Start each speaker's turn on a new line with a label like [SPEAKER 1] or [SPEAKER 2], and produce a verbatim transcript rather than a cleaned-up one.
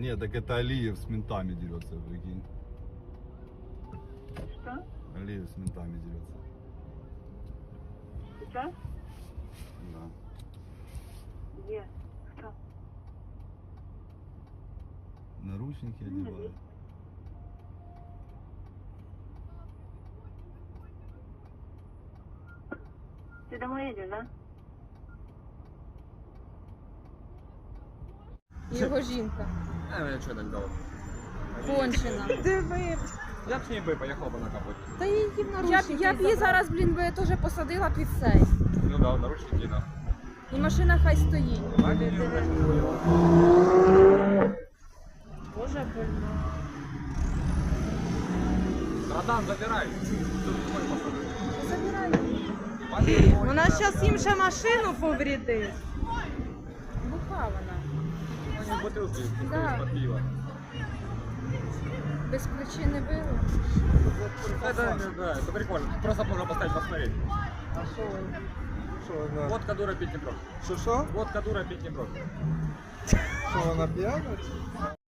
[SPEAKER 1] Нет, так это Алиев с ментами дерется, прикинь.
[SPEAKER 2] Что?
[SPEAKER 1] Алиев с ментами дерется.
[SPEAKER 2] Сейчас?
[SPEAKER 1] Да.
[SPEAKER 2] Где? Кто?
[SPEAKER 1] Наручники одевают.
[SPEAKER 2] Ты домой едешь, да?
[SPEAKER 3] Його жінка.
[SPEAKER 4] А, я что так дал?
[SPEAKER 3] Кончена.
[SPEAKER 5] Диви.
[SPEAKER 4] Я б с ней бы поехал бы на капоте.
[SPEAKER 5] Та її в
[SPEAKER 3] Я б,
[SPEAKER 5] наручники
[SPEAKER 3] я б її
[SPEAKER 5] забрали.
[SPEAKER 3] зараз, блін, би теж посадила під цей.
[SPEAKER 4] Ну да, наручники, да.
[SPEAKER 3] І машина хай стоїть.
[SPEAKER 4] А не, не,
[SPEAKER 5] Боже, больно.
[SPEAKER 4] Братан, забирай. Тут твой посадок.
[SPEAKER 3] Забирай.
[SPEAKER 5] Вона зараз їм ще машину повредить.
[SPEAKER 3] Буха вона.
[SPEAKER 4] Они бутылки,
[SPEAKER 3] Да.
[SPEAKER 4] под пиво.
[SPEAKER 3] Без причини били.
[SPEAKER 4] Это, да, это прикольно. Просто можно поставить посмотреть.
[SPEAKER 6] А що ви? Що вона?
[SPEAKER 4] Водка дура пить не бросит.
[SPEAKER 6] Що що?
[SPEAKER 4] Водка дура пить не бросит.
[SPEAKER 6] Що вона п'яна?